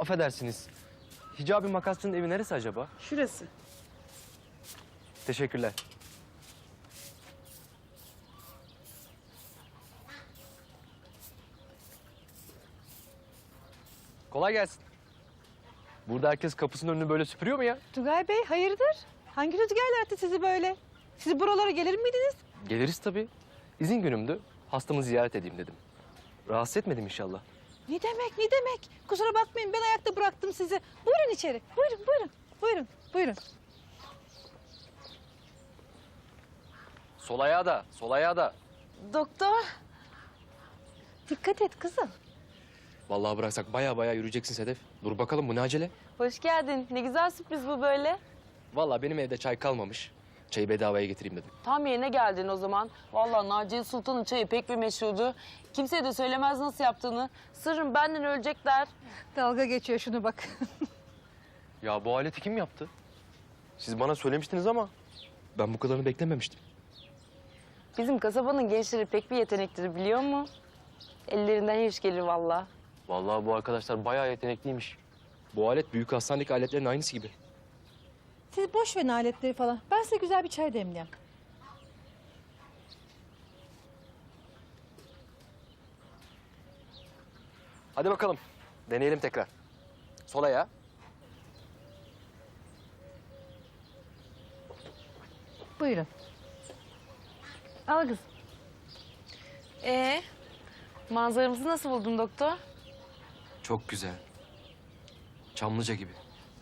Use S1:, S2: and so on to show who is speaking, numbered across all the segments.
S1: affedersiniz. Hicabi makasçının evi neresi acaba?
S2: Şurası.
S1: Teşekkürler. Kolay gelsin. Burada herkes kapısının önünü böyle süpürüyor mu ya?
S2: Tugay Bey hayırdır? Hangi rüzgarlar attı sizi böyle? Siz buralara gelir miydiniz?
S1: Geliriz tabii. İzin günümdü. Hastamı ziyaret edeyim dedim. Rahatsız etmedim inşallah.
S2: Ne demek, ne demek? Kusura bakmayın ben ayakta bıraktım sizi. Buyurun içeri. Buyurun, buyurun. Buyurun, buyurun.
S1: Sol ayağı da, sol ayağı da.
S2: Doktor. Dikkat et kızım.
S1: Vallahi bıraksak baya yürüyeceksin Sedef. Dur bakalım bu ne acele?
S3: Hoş geldin. Ne güzel sürpriz bu böyle.
S1: Vallahi benim evde çay kalmamış. Çayı bedavaya getireyim dedim.
S3: Tam yerine geldin o zaman. Vallahi Naciye Sultan'ın çayı pek bir meşhurdu. Kimseye de söylemez nasıl yaptığını. Sırrım benden ölecekler.
S2: Dalga geçiyor şunu bak.
S1: Ya bu aleti kim yaptı? Siz bana söylemiştiniz ama ben bu kadarını beklememiştim.
S3: Bizim kasabanın gençleri pek bir yeteneklidir biliyor musun? Ellerinden her iş gelir vallahi.
S1: Vallahi bu arkadaşlar bayağı yetenekliymiş. Bu alet büyük hastanedeki aletlerin aynısı gibi.
S2: Siz boş verin aletleri falan. Ben size güzel bir çay demleyeyim.
S1: Hadi bakalım. Deneyelim tekrar. Sol ayağı.
S2: Buyurun. Al kız.
S3: Manzaramızı nasıl buldun doktor?
S1: Çok güzel. Çamlıca gibi.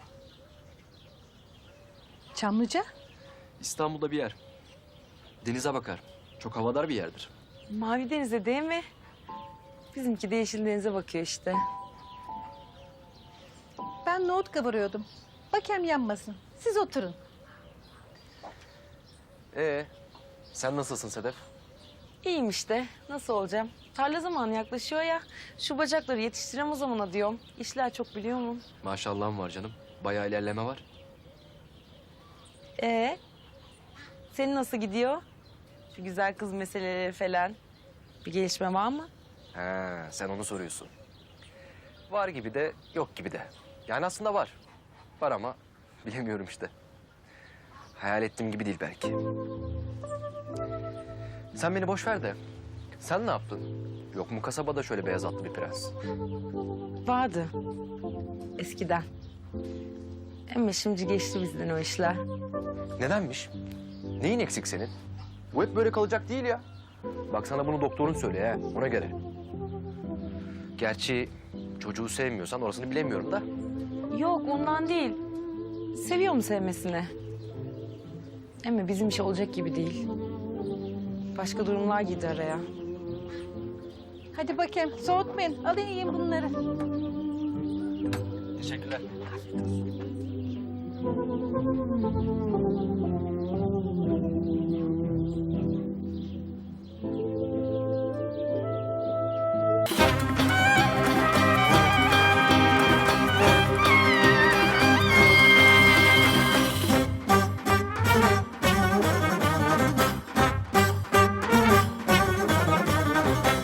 S2: Çamlıca.
S1: İstanbul'da bir yer. Denize bakar. Çok havadar bir yerdir.
S3: Mavi denize değil mi? Bizimki de yeşil denize bakıyor işte.
S2: Ben nohut kavuruyordum. Bakayım yanmasın. Siz oturun.
S1: Sen nasılsın Sedef?
S3: İyiyim işte. Nasıl olacağım? Tarla zamanı yaklaşıyor ya. Şu bacakları yetiştirem o zamana diyorum. İşler çok biliyor musun?
S1: Maşallahım var canım. Bayağı ilerleme var.
S3: Senin nasıl gidiyor? Şu güzel kız meseleleri falan. Bir gelişme var mı?
S1: He, sen onu soruyorsun. Var gibi de yok gibi de. Yani aslında var. Var ama bilemiyorum işte. Hayal ettiğim gibi değil belki. Sen beni boş ver de. Sen ne yaptın? Yok mu kasabada şöyle beyaz atlı bir prens?
S3: Vardı. Eskiden. Ama şimdi geçti bizden o işler.
S1: Nedenmiş? Neyin eksik senin? Bu hep böyle kalacak değil ya. Bak sana bunu doktorun söylüyor ha, ona göre. Gerçi çocuğu sevmiyorsan orasını bilemiyorum da.
S3: Yok ondan değil. Seviyorum sevmesini. Ama bizim iş olacak gibi değil. Başka durumlar girdi araya.
S2: Hadi bakayım. Soğutmayın. Alın yiyin bunları.
S1: Teşekkürler.